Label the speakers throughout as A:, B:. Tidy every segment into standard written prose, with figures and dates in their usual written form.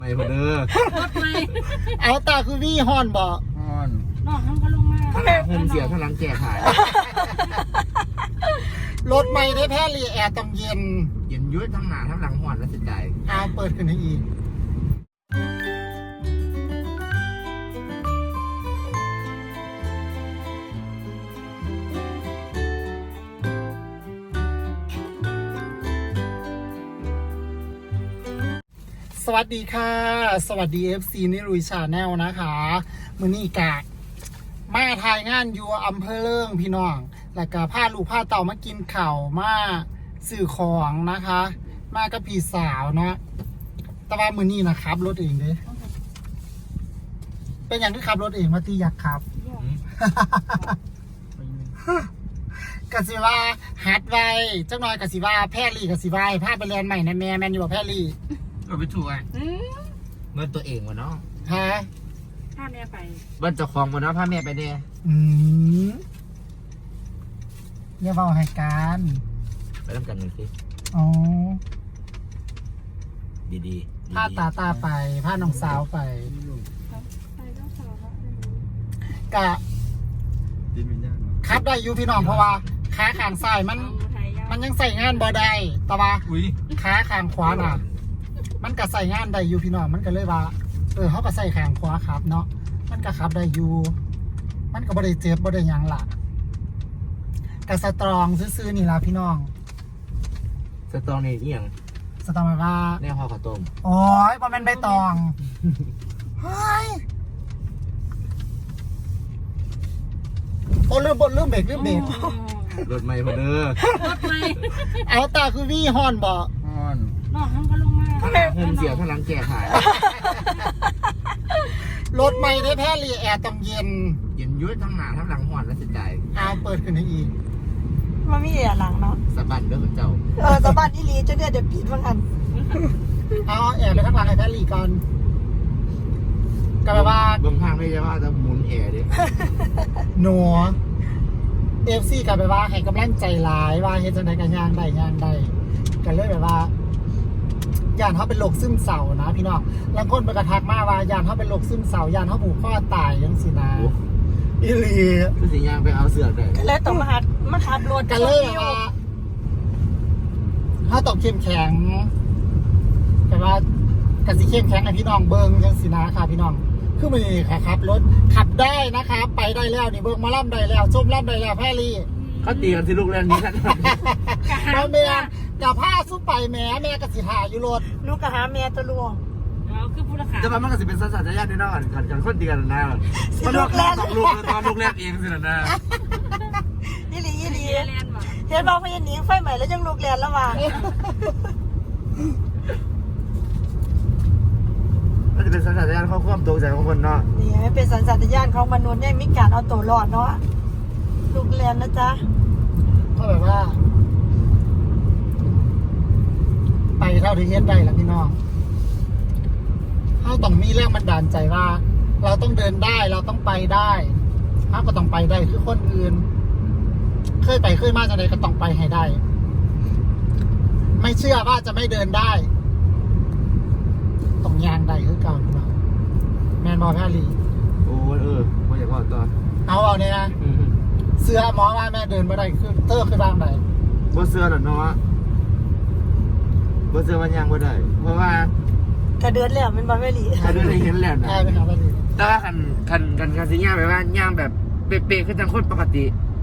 A: ไม่พอเด้อ
B: รถไหม
C: เอาตาคือวี่ฮอนบ่
A: ฮ้อน
B: นอกทั้งก็ลงมา
A: ข้างหลังผมเสียข้างหลังแก่ขาย
C: รถไม่ได้แพ้รีแอร์ต้องเย็น
A: เย็นยุ่ยทั้งหน้าทั้งหลังฮ้อนแล้วสนใจ
C: เอาเปิดขึ้นให้อีกสวัสดีค่ะ สวัสดี FC นิรุยชาแนลนะคะมื้อนี้กะมาถ่ายงานอยู่อำเภอเลิงพี่น้อง แล้วก็พาลูกพาเต่ามากินข้าวมาซื้อของนะคะ มากับพี่สาวเนาะแต่ว่ามื้อนี้นะครับรถเองเด้เป็นอย่างที่ขับรถเองมาตีอยากขับ กสิว่าฮัดไว้จักหน่อยกสิว่าแพรลี่กสิว่าพาไปเรียนใหม่นะแม่แมนอยู่บ่แพรลี่
A: ก็ไปถูกไอ้เงินตัวเองวะเนาะ
C: ฮะ
B: ถ้าแม่ไป
A: เงินเจ้าของวะเนาะพาแม่ไปเนี่ย
C: อย่าเว้าให้การ
A: ไปทำกันหน่อยสิ
C: อ๋อ
A: ดีๆ
C: พาตาไปพาน้องสาวไป
B: ไปเจ้าสาวแล้ว
C: กะขับได้อยู่พี่น้องเพราะว่าขาข้างซ้ายมันยังใส่งานบ่ได้แต่ว่า
A: อุ้ย
C: ขาข้างขวาน่ะ มันก็ใส่งานได้อยู่พี่น้องมันก็เลยว่าเขาก็ใส่ข้างขวาครับเนาะมันก็ขับได้อยู่มันก็บ่ได้เจ็บบ่ได้หยังล่ะกะสตรองซื่อๆนี่ล่ะพี่น้อง
A: สตองนี่เอียง
C: สตรองแบบว่า
A: แน่ห่อข้าวต้ม
C: โอ้ยบ่แม่นใบตองเฮ้ยโอ้ลืมเบรก
A: รถไม่พอเด้อ
B: รถไหม
C: เอาตาคือวี่ฮอนบ่
A: ฮ้อน
B: นอกทั้งก็ลงมา
A: ข้างหลังผมเสียข้างหลังแก่ขาย
C: รถไม่ได้แพ้รีแอร์ต้องเย็น
A: เย็นยุ่ยทั้งหน้าทั้งหลังฮ้อนแล้วสนใจ
C: เอาเปิดขึ้นให้อีก
D: มันมีแอร์หลังเนาะ
A: สะบัดเด้อคุณเจ้า
D: สะบัดนี่ลีจะเนี่ยเดี๋ยวปิดว่างัน
C: เอาแอร์ไปข้างหลังให้แพ้รีก่อนก็แปลว่า
A: เบื้องข้างไม่ใช่ว่าจะหมุนแอร์ดิ
C: หนัวFC ก็แปลว่าให้กำลังใจหลายว่าเฮ็ดจังได๋ก็ย่างได้ก็เลยแบบว่าย่านเขาเป็นโรคซึมเศร้านะพี่น้องบางคนไปกระทักมาว่าย่านเขาเป็นโรคซึมเศร้าย่านเขาผูกคอตายจังซี่นะอีหลี
A: คือสิย่างไปเอาเสือกเลย
D: ก็เลยต้องมาขับรถ
C: กันเลยแบบว่าถ้าต้องเข้มแข็งแต่ว่ากันสิเข้มแข็งให้พี่น้องเบิ่งจังซี่นะค่ะพี่น้องคือมื้อนี้ค่ะครับรถขับได้นะคะไปได้แล้วนี่เบิ่งมาล่ำได้แล้วชมล่ำได้แล้วแพรรี่
A: เขาตีกันสิลูกเล่นนี้กัน
C: แล้วแม่กับผ้าสู้ไปแม่ก็สิหาอยู่รถ
D: ลูกก็หาแม่ตัวลูก
B: เราคือผู้รักษา
A: แต่ว่ามันก็สิเป็นสัญชาตญาณแน่นอนกันคนตีกันนะ
D: สิ
A: มัน
D: ลู
A: ลูก
D: กแล่น
A: ต้องลูกตอนลูกแรกเองสินะ
D: ยี่หลี
B: เรียนมา
D: เห็นบอกพยันหนีไฟใหม่แล้วยังลูกแลนแล้วว่ะ
A: มันจะเป็นสัญชาตญาณเขาควบตัวใจของคนเนาะ
D: นี่ไม่เป็นสัญชาตญาณของมนุษย์เนี่ยมีการเอาตัวรอดเนาะลูกแลนนะจ๊ะ
C: ก็แบบว่า ไปเท่าที่เฮ็ดได้แล้วพี่น้องเขาต้องมีแรงบันดาลใจว่า เราต้องเดินได้เราต้องไปได้เขาก็ต้องไปได้คือคนอื่น เคยไปเคยมาจังใดก็ต้องไปให้ได้ ไม่เชื่อว่าจะไม่เดินได้ต้องยางได้คือเก่าพี่น้องแมนบอลแพรลี
A: โอ้ไม่อยากว่าตัว
C: เอาเนี่ยนะเสื้อหมอว่าแม่เดินมาได้คือเตอร์คือบ้างไหน
A: บ่เสื้อหรอเนาะบ่เสื้อมันยังบ่ได้เพราะว่าก
D: ระเดือนแล้วเป็นบอลไม่หลี
A: ถ้าดูได้เห็นแล้วนะ
C: ใช่ไหมครับแพรลี
A: แต่ว่าคันสิย่างแบบว่าย่างแบบเป๊ะๆคือจังคนปกติ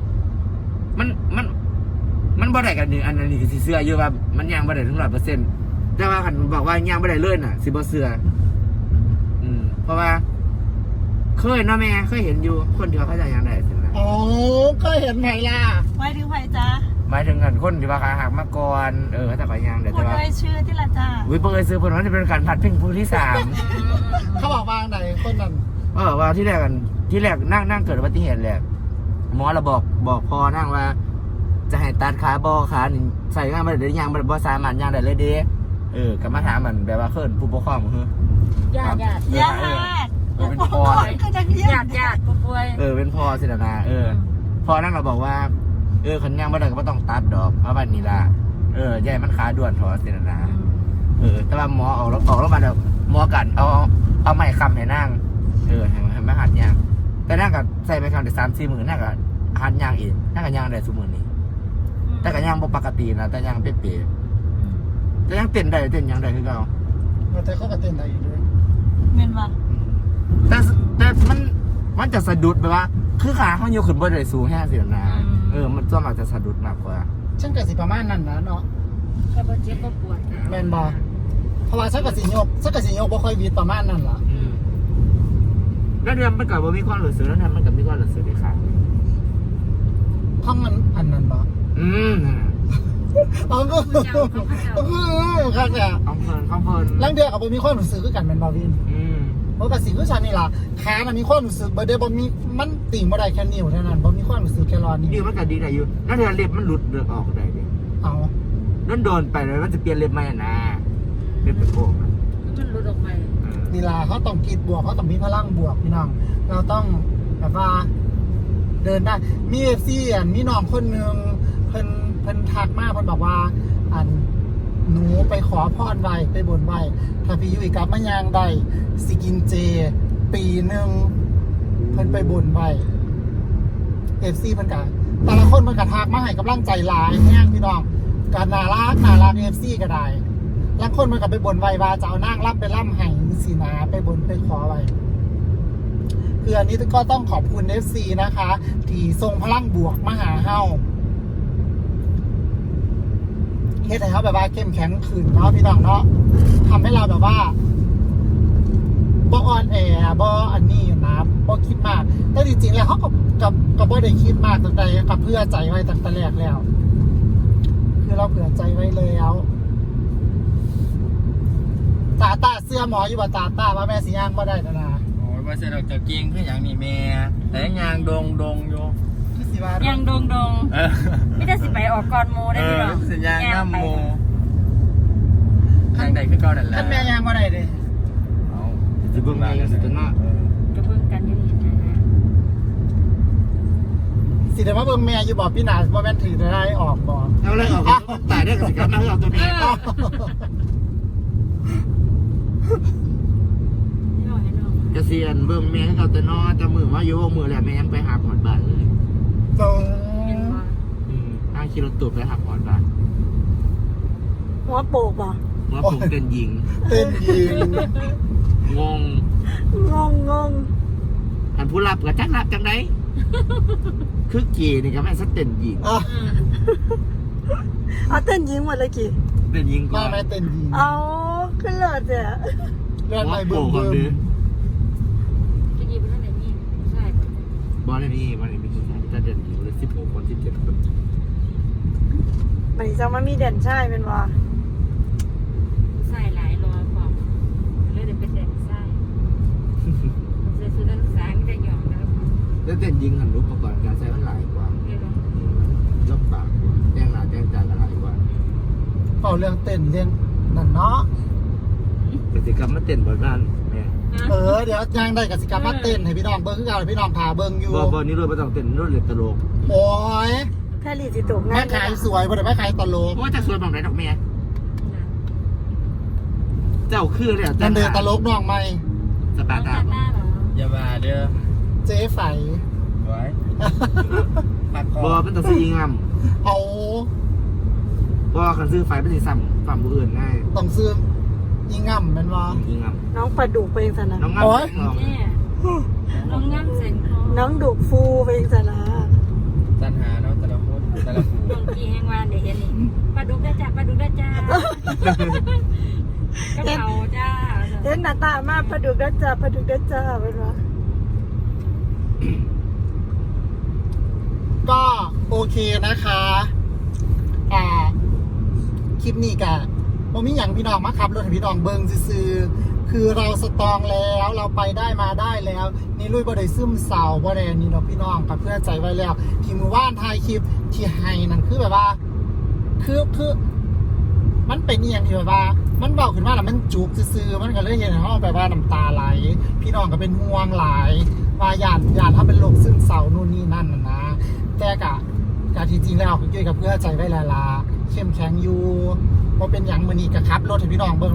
A: มันบ่ได้กันนี่อันนี้คือสิเสื้ออยู่ว่ามันย่างบ่ได้ถึง 100%แต่ว่าคันบอกว่าย่างบ่ได้เลยน่ะสิบ่เสื้อเพราะว่าเคยเนาะแม่เคยเห็นอยู่คนที่ว่าเขาจะย่างได้สินะ
C: โอ้ก็เห็นไหมล่ะ
D: ไว้ถึงไผ่จ้า
A: หมายถึงกันคนที่ว่าขาหักมาก่อนเขาจะไปย่างได้
D: พู
A: แต่
D: ด
A: ว่า
D: ด้วยชื่อที่ละจ้า
A: อุ้ยเปิดซื้อเพิ่นว่าจะเป็นการผัดเพ่งผู้ที่3
C: เขาบอกว่าไหนคนนั้น
A: ว่าที่แรกนั่งเกิดอุบัติเหตุแหละหมอเราบอกพอนั่งว่า จะให้ตัดขาบอขานี่ใส่งานมาได้ยังบ่สามารถย่างได้เลยเด้ก็มาถามมันแบบว่าเคินผู้ปกครองคือ
B: ญาติ
D: ญาติ
A: เป็นพ่อ
D: ก็จะเรียก
B: ญาติผู้ป่วย
A: เป็นพ่อสินะพ่อนั่งเราบอกว่าคันย่างบ่ได้ก็บ่ต้องตัดดอกเพราะว่านี่ล่ะใหญ่มันขาด่วนถอสินะแต่ว่าหมอออกแล้วมาแล้วหมอกันเอาไม้คำให้นั่งให้มาหัดยางแต่นั่งกับใส่ไม้คำได้3-4 มื้อนั่งกับหัดยางอีกนั่งกับยางได้ซุมื้อนี้แต่กับยางบ่ปกตินะแต่ยางเป๊ะๆแต่ยังเต้นได้เต้นยางได้คือเก่า
C: แต่เขาก็เต้นได้อีกด้วย
B: เมนว่า
A: แต่มันจะสะดุดแบบว่า คือขาเขาโยกขึ้นบ่ได้สูงแค่สินะมันส่วนมากจะสะดุดมากกว่า
C: ฉันก็สิประมาณนั้นนะเนาะ
B: แค่บ่เจ็บก็ปวด
C: แมนบอเพราะว่าฉันก็สิโยกบ่ค่อยวีดประมาณนั้นล่ะ
A: แล้วเดือนมันก็บ่มีความรู้สึกแล้วเนี่ยมันก็มีความรู้สึกในขา
C: ข้องมันอันนั้นบออ๋อก็ครับเนี่ย
A: ข้องเพลิน
C: ลังเดือกับบ่มีความรู้สึกคือกันแมนบอวินเพราะกับสิ่งที่ฉันนี่ล่ะขามันมีความรู้สึกบ่ได้บ่มีมันติ่งบ่ได้แค่นิ้วเท่านั้นบ่มีความรู้สึกแค่รอนิ้
A: นี่
C: ว
A: มันก็ดีได้อยู่แล้วเดือนเล็บมันหลุดเลือดออกได้ดิ
C: เอา
A: นั่นโดนไปเลยมันจะเปลี่ยนเล็บไหมนะเล็บเป็นโค้ง
B: มันหลุดออกไป
C: นี่ล่ะเขาต้องคิดบวกเขาต้องมีพลังบวกพี่น้องเราต้องแบบว่า เดินได้มีFCมีน้องคนนึงเพิ่นทักมาเพิ่นบอกว่าอันหนูไปขอพรไว้ไปบนไว้ถ้าพี่ยุ้ยกลับมายางได้สิกินเจ ปีหนึ่งเพิ่นไปบนไว้ FC เพิ่นกะแต่ละคนเพิ่นกะทักมาให้กำลังใจหลายแห้งพี่น้องกะน่ารัก FC ก็ได้บางคนมันก็ไปบนไว้ว่าจะเอานางรับไปล่ำให้สินะไปบนไปขอไว้คืออันนี้ก็ต้องขอบคุณ FC นะคะ ที่ส่งพลังบวกมาหาเฮาเฮ็ดให้เขาแบบว่าเข้มแข็งขึ้นเนาะพี่น้องเนาะทำให้เราแบบว่าบ่อ่อนแอบ่อันนี้นะบ่คิดมากแต่จริงๆแล้วเขาก็บ่ได้คิดมากตั้งแต่กับเพื่อใจไว้ตั้งแต่แรกแล้ว คือเราเผื่อใจไว้แล้วตาเสื้อหมออยู่ว่าตาว่าแม่สิย่างบ่ได้นะ
A: โอ้ยว่าเสร็จเราจะกินคืออย่างนี้แม่แต่ยางดงอยู่
C: คือสิว่า
B: ยังดงไม่ได้สิไปออกก่อนโมได้พี่น้อง
A: สัญญาณน้ำโมทางใดคือเก่านั่นแหละ
C: ท่านแม่ย่างบ่ได้เด้
A: เอาจะเบิ่งมากันสิตัวเนาะ
B: ก็เพิ่งกันอยู่นี่นะ
C: สิได้มาเบิ่งแม่อยู่บ่พี่นาบ่แม่นถือได้ออกบ่
A: เอาเลยออกตายได้กับสิครับมาเอาตัวนี้ เกษียณเบิ่งแม่ให้เขาแต่นอแต่มือว่าอยู่มือแหละแม่ยังไปหาหอดบ้านเลย
C: ตรง
A: นั่งขี่รถตู้ไปหาหอดบ้าน
D: หัวโปกบ่
A: ว่าผมเป็นหญิง
C: เต้นยิง
A: งง
D: งง
A: อันผู้รับกับจักรับจังไดคือเกีนี่ก็แม่นสเต็นหญิง
C: อ่ะ
D: เอาเต้นยิงหมดเลยกี่
A: เป็นหญิงก่อ
C: มาน แม่เต้นยิง
D: เอาขึ้นเลิศเนี่ย
C: เลื่อนไป
A: โป่
C: เบิ่
A: ง
C: ม
A: ก่อนดิ
B: จะยิบไปทางไหนนี่ใช่
A: บอลนี่มีกี่คนจะเด่นอยู่เลย16 คน17 คน
D: มันจะมามีเด่นใช่เป็นว่า
B: ใส่หลายรอความเลยเดี๋ยวเป็นเด็กใส่ใส่ชุดนักศึกษาไม่ได้หยอกแล้ว
A: แล้วเต้นหญิงหันรูปประกอบการใช้มันหลายกว่า
B: เรียกว่า
A: ลบปากกว่าแจ้งหน้าแจ้งตากันหลายกว่า
C: เป่าเรื่องเต้นเรื่องนั่นเนาะ
A: กิจกรรมมาเต้นบ่บ้านแม่
C: เดี๋ยวย่างได้กับสิกรรมมาเต้นให้พี่น้องเบิ่งคือเก่าให้พี่น้องพาเบิ่งอยู่
A: บ่นี่รถบ่ต้องเต้นรถเลยตลก
C: โอ้ย
D: แค่ลีจิตก
C: แม่ขายสวยบ่ได้แม่ขายตลก
A: ว่าจะสวยแบบไหนดอกแม่เจ้าคือเลย
C: นั่นเดินตลกน้องใหม่
A: สปา
B: ตั
A: ตา
B: ดหน้าเหรอ
A: อย่ามาเด้อ
C: เจ๊ไฝ
A: ไว้บ่เป็นต้องซื้อยิงงาม
C: เอา
A: บ่คันซื้อไฟเป็นสิซ้ำฝั่งผู้อื่นง่าย
C: ต้องซื้อยิงง่ำแม่นว่า
A: ยิงงาม
D: น้องปลาดุกไปเองสนะ
A: น้องงาม
C: โอ๊ย
B: เนี่ยน้องง่ำเส้นคอ
D: น้องดุกฟูไปเองสนะ
A: จันหาเนาะแต่ละคนแต่ละผู้
B: บางทีแห้งวันเดี๋ยวเห็นนี่ปลาดุกได้จ้าปลาดุกได้จ้ากระเป๋าจ้า
D: เห็นหน้าตามาปลาดุกได้จ้าปลาดุกได้จ้าเป็นว่า
C: ก็โอเคนะคะคลิปนี้กะบ่มีหยังพี่น้องมาขับรถให้พี่น้องเบิ่งซื่อๆคือเราสตรองแล้วเราไปได้มาได้แล้ว นี่ลุยบ่ได้ซึมเศร้าบ่ได้นี่ดอกพี่น้องกับเพื่อใจไว้แล้ว ที่มือว่านถ่ายคลิปที่ให้นั่นคือแบบว่า คือมันเป็นอีหยังที่แบบว่า มันเบาขึ้นมาแล้วมันจุกซื่อๆมันก็เลยเห็นเขาแบบว่าน้ำตาไหลพี่น้องก็เป็นห่วงหลายว่าญาติถ้าเป็นโรคซึมเศร้านู่นนี่นั่นนะแต่กะที่จริงแล้วก็เกี่ยวกับเพื่อใจไว้แล้วล่ะเข้มแข็งอยู่พอเป็นอย่างมื้อนี้ก็ขับรถให้พี่น้องเบิ่งแล้วนี่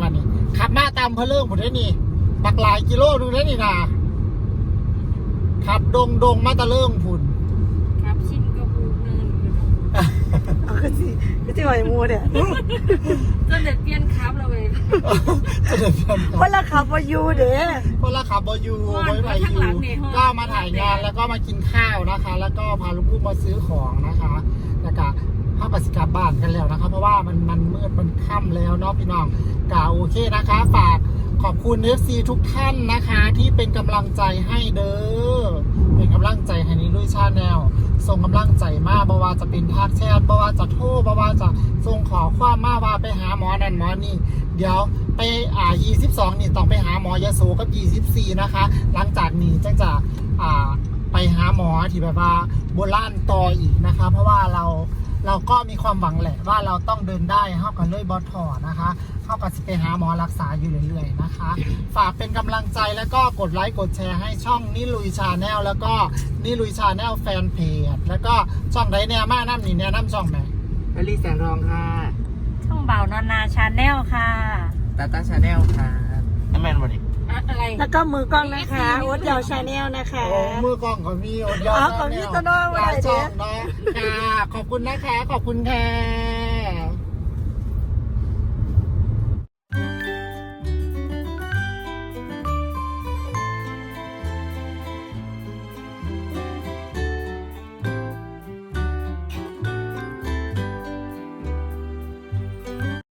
C: ขับมาตามเพลิ่งผมได้นี่บักหลายกิโลดูได้นี่นะขับดงมาตะเลิ่งพุ่น
B: ครับชินก็พูเนินอยู่เนาะ
D: เอาก็สิไหวมูเนี่ย
B: จนเด็ดเปลี่ยนครับเราเลย
C: จะเดินกัน
D: เพราะราคาพอยูเด้
C: เพราะราขับบอยูไว้ไหวยูก็มาถ่ายงานแล้วก็มากินข้าวนะคะ แล้วก็พาลูกๆมาซื้อของนะคะแล้วก็เข้ากสิกลับบ้านกันแล้วนะคะเพราะว่ามันมืดมันค่ำแล้วเนาะพี่น้องกาโอเคนะคะฝากขอบคุณ FC ทุกท่านนะคะที่เป็นกำลังใจให้เด้อเป็นกำลังใจให้นิลุยชาแนลส่งกำลังใจมาบ่ว่าจะเป็นทักแชทบ่ว่าจะโทรบ่ว่าจะส่งขอความมาว่าไปหาหมอนั่นหมอนี่เดี๋ยวไป22นี่ต้องไปหาหมอยโสกับ24นะคะหลังจากนี้จะไปหาหมอที่แบบว่าโบราณต่ออีกนะคะเพราะว่าเราก็มีความหวังแหละว่าเราต้องเดินได้เข้ากันเลยบอถอนะคะเข้ากับไปหาหมอรักษาอยู่เรื่อยๆนะคะ ฝากเป็นกำลังใจแล้วก็กดไลค์กดแชร์ให้ช่องนิลุยชาแนลแล้วก็นิลุยชาแนลแฟนเพจแล้วก็ช่องไดแนม่าน้ำนี่แนะนำช่องไหน
A: แอลลี่แสงทองค่ะ
B: ช่องเบานอนนาชาแนลค่ะ
A: ตาตาชาแนลค่ะน้ำแมนบอดี้
B: อะไร
D: แล้วก็มือกล้องนะคะโอ๊ตยาวชาแนลนะคะ
C: โอ้มือกล้องของมีโอนยอด
D: ของพี่โตโน่
C: หลาย
D: ไว้ไหน
C: ช่
D: เด้
C: องเนาะค่ะขอบคุณนะคะขอบคุณค่ะ